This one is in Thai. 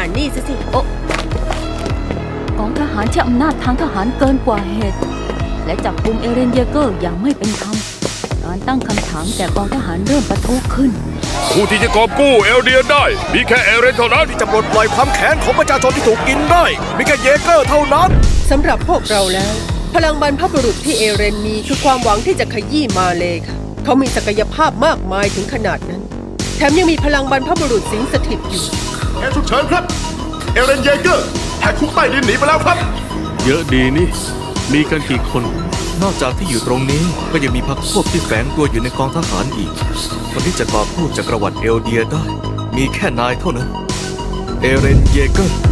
นี่สิโอ้กองทหารใช้อำนาจทางทหารเกินกว่าเหตุ และจับกุมเอเรนเยเกอร์อย่างไม่เป็นธรรมการตั้งคำถามแต่กองทหารเริ่มปะทุขึ้นผู้ที่จะกอบกู้เอลเดียนได้มีแค่เอเรนเท่านั้นที่จะปลดปล่อยความแค้นของประชาชนที่ถูกกินได้มีแค่เยเกอร์เท่านั้นสำหรับพวกเราแล้วพลังบรรพบุรุษที่เอเรนมีคือความหวังที่จะขยี้มาเลยค่ะเขามีศักยภาพมากมายถึงขนาดนั้นแถมยังมีพลังบรรพบุรุษสิงสถิตอยู่แกฉุกเฉินครับเอเรนเยเกอร์แหกคุกใต้ดินหนีไปแล้วครับเยอะดีนี่มีกันกี่คนนอกจากที่อยู่ตรงนี้ก็ยังมีพรรคพวกที่แฝงตัวอยู่ในกองทหารอีกคนที่จะกอบกู้จักรวรรดิเอลเดียได้มีแค่นายเท่านั้นเอเรนเยเกอร์